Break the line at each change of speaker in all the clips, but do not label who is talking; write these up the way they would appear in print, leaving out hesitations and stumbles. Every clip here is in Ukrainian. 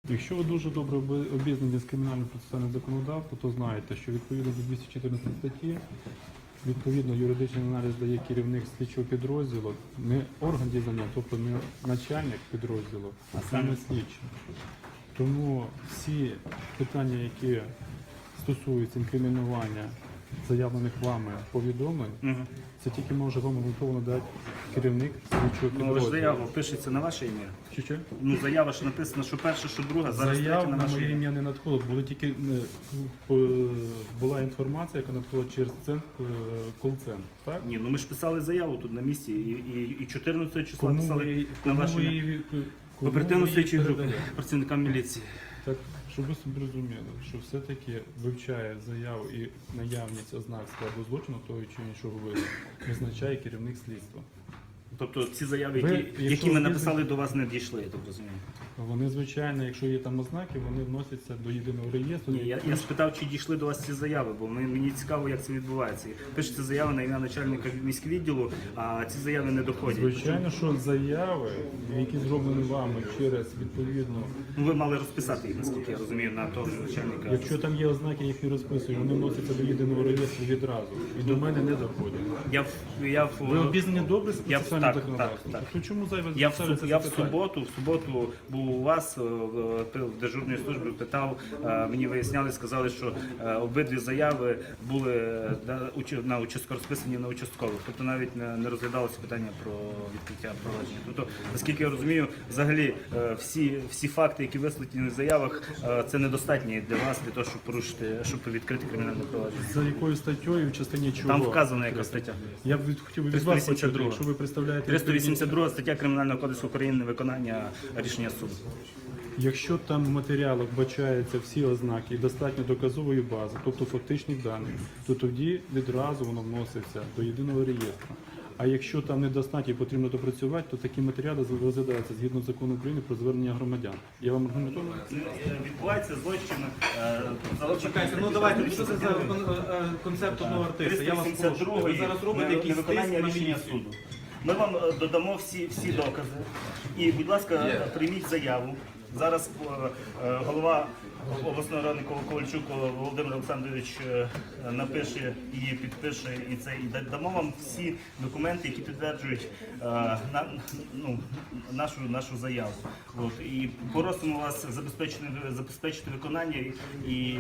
Якщо ви дуже добре обізнані з кримінальним процесуальним законодавством, то знаєте, що відповідно до 214 статті, відповідно юридичний аналіз дає керівник слідчого підрозділу, не орган дізнання, тобто не начальник підрозділу, а саме слідчий. Тому всі питання, які стосуються інкримінування заявлених вами повідомлень, це тільки може вам обґрунтовано дати керівник слідчого підрозділу.
Ну, але ж заява пишеться на ваше ім'я.
Що?
Ну, заява ж написана, що перша, що друга, зараз третя
Заяв
на
на
ваше
моє
ім'я.
ім'я не надходило, була інформація, яка надходила через кол-центр, так?
Ні, ну ми ж писали заяву тут на місці і 14 числа
Кому
писали
ви-
на
кому
ваше
ви
ім'я.
її-
В
кому
оперативно-слідчій
ви її
групі,
передаєте?
працівникам міліції.
Так, щоб ви собі розуміли, що все-таки вивчає заяву і наявність ознак складу злочину того чи іншого виду, визначає керівник слідства.
Тобто ці заяви,
Ви,
які
якщо
ми
ви
написали, до вас не дійшли, я так розумію.
Вони, звичайно, якщо є там ознаки, вони вносяться до єдиного реєстру.
Ні, я спитав, чи дійшли до вас ці заяви, бо мені цікаво, як це відбувається. Пишеться заява на ім'я начальника міськвідділу, а ці заяви не доходять.
Звичайно, що заяви, які зроблені вами через відповідно.
Ну, ви мали розписати їх, наскільки я розумію, на того ж начальника.
Якщо там є ознаки, їх не розписують, вони вносяться до єдиного реєстру відразу. І до мене не доходять. Ви обізнані добре з процесуальним
так,
законодавством?
так.
То чому зайве
Я
ставиться
в
це питання?
суботу був у вас в дежурній службі, питав, мені виясняли, сказали, що обидві заяви були на розписані на участкових. Тобто навіть не розглядалося питання про відкриття провадження. Тобто, наскільки я розумію, взагалі всі факти, які висвітлені в заявах, це недостатні для вас, для того, щоб відкрити кримінальне провадження.
За якою статтею, в частині чого?
Там вказана яка стаття.
Я б хотів би від вас почути,
382.
якщо ви представляєте...
382 стаття Кримінального кодексу України невиконання рішення суду.
Якщо там в матеріалах вбачаються всі ознаки і достатньо доказової бази, тобто фактичних даних, то тоді відразу воно вноситься до єдиного реєстру. А якщо там недостатньо і потрібно допрацювати, то такі матеріали розглядаються згідно закону України про звернення громадян. Я вам аргументовую?
Відбувається злочин.
Чекайте, ну давайте, що це за концепт одного артиста? Я вас прошу. Ви зараз робите якісь тиск
виконання
на
рішення
міліцію.
суду. Ми вам додамо всі докази. І, будь ласка, прийміть заяву. Зараз голова обласної ради Ковальчук Володимир Олександрович напише і підпише і дамо вам всі документи, які підтверджують нашу заяву. І просимо вас забезпечити виконання і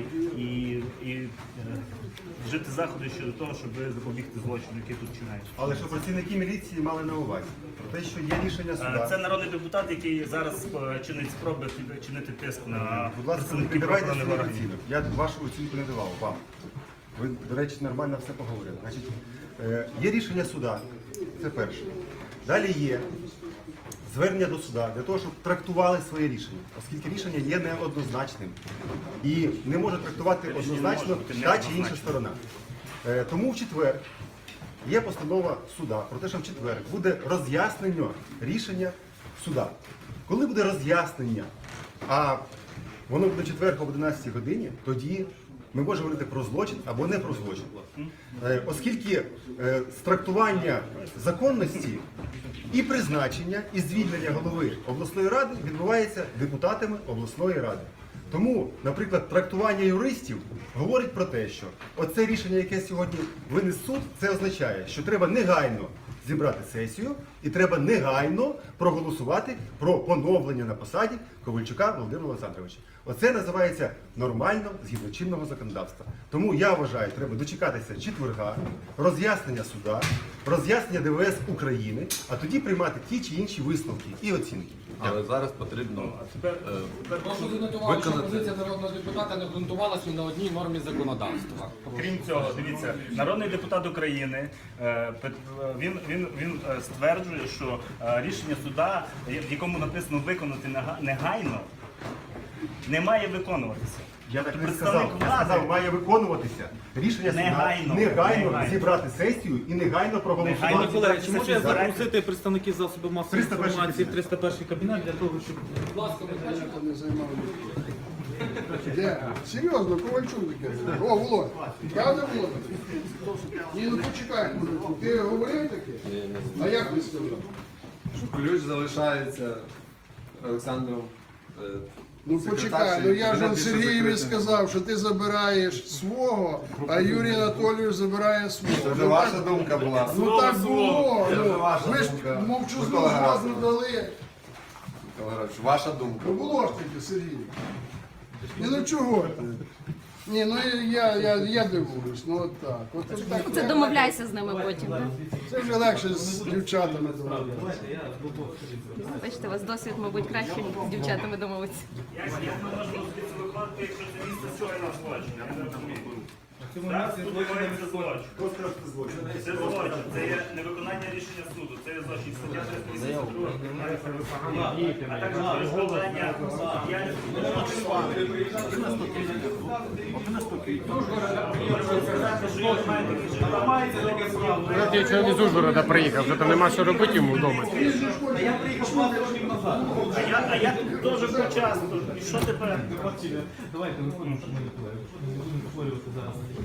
вжити заходи щодо того, щоб запобігти злочину, який тут чинається.
Але що працівники міліції мали на увазі про те, що є рішення суда.
Це народний депутат, який зараз чинить спроби чинити тиск на
Будь ласка, не
представників
піддавайте
правоохоронних
свою
органів.
оцінку. Я вашу оцінку не давав вам. Ви, до речі, нормально все поговорили. Значить, є рішення суда, це перше. Далі є звернення до суда для того, щоб трактували своє рішення, оскільки рішення є неоднозначним. І не може трактувати однозначно та чи інша сторона. Тому в четвер є постанова суда про те, що в четвер буде роз'яснення рішення суда. Коли буде роз'яснення, а воно буде в четвер об 11 годині, тоді ми можемо говорити про злочин або не про злочин. Оскільки з трактування законності і призначення, і звільнення голови обласної ради відбувається депутатами обласної ради. Тому, наприклад, трактування юристів говорить про те, що оце рішення, яке сьогодні виніс суд, це означає, що треба негайно зібрати сесію і треба негайно проголосувати про поновлення на посаді Ковальчука Володимира Олександровича. Оце називається нормально згідно чинного законодавства. Тому я вважаю, треба дочекатися четверга, роз'яснення суда, роз'яснення ДВС України, а тоді приймати ті чи інші висновки і оцінки.
Але зараз потрібно
Прошу занотувати, що
виконати.
позиція народного депутата не ґрунтувалася ні на одній нормі законодавства.
Крім цього, дивіться, народний депутат України він стверджує, що рішення суда, в якому написано виконати негайно, не має виконуватися.
Я так не
Представник
сказав. Я
влади-
сказав, має виконуватися. Рішення суда негайно зібрати сесію і негайно проголосувати.
Негайно.
Колеги, чи можу я
Збирайте.
запросити представників засобів масової
301
інформації в
кабінет.
301 кабінет для того, щоб...
Будь ласка, Михайло.
Де? Серйозно, Ковальчук таке. О, Володь. Правда, Володь? Ні, ну почекай, мужику. Ти говорив таке? А як ти сказав?
Ключ залишається Олександром
Ну почекай, ну я ж он Сергієві сказав, що ти забираєш свого, а Юрій Анатолійович забирає свого.
Це вже ваша думка була.
Ну так було.
Це вже
Ну,
ваша
ви ж
думка.
мовчазну
Микола
згоду
Герасимович.
дали.
Микола Григорович, ваша думка.
Ну було ж таки, Сергій. Ні, ну чого ти? Ні, ну я дивуюсь, ну от так. От так.
Це домовляйся з ними потім. Так?
Це вже легше з дівчатами домовлятися.
Давайте, я з боку.
Бачите, у вас досвід, мабуть, краще з дівчатами домовитися.
Як ми можемо звідси виходити, якщо це місце скоєно злочин? Я не розумію.
В цьому
Зараз
місці
тут
злочин не
відбувається злочин. Це злочин, це є невиконання рішення суду, це є злочин. Стаття 382 а також перешкоджання
Ламається таке право.
Я чоловік з Ужгорода приїхав, вже там нема що робити йому вдома.
Та я приїхав 20 років назад.
А я тут дуже почасто. І що тепер?
Давайте не будемо, щоб ми не повторювати зараз.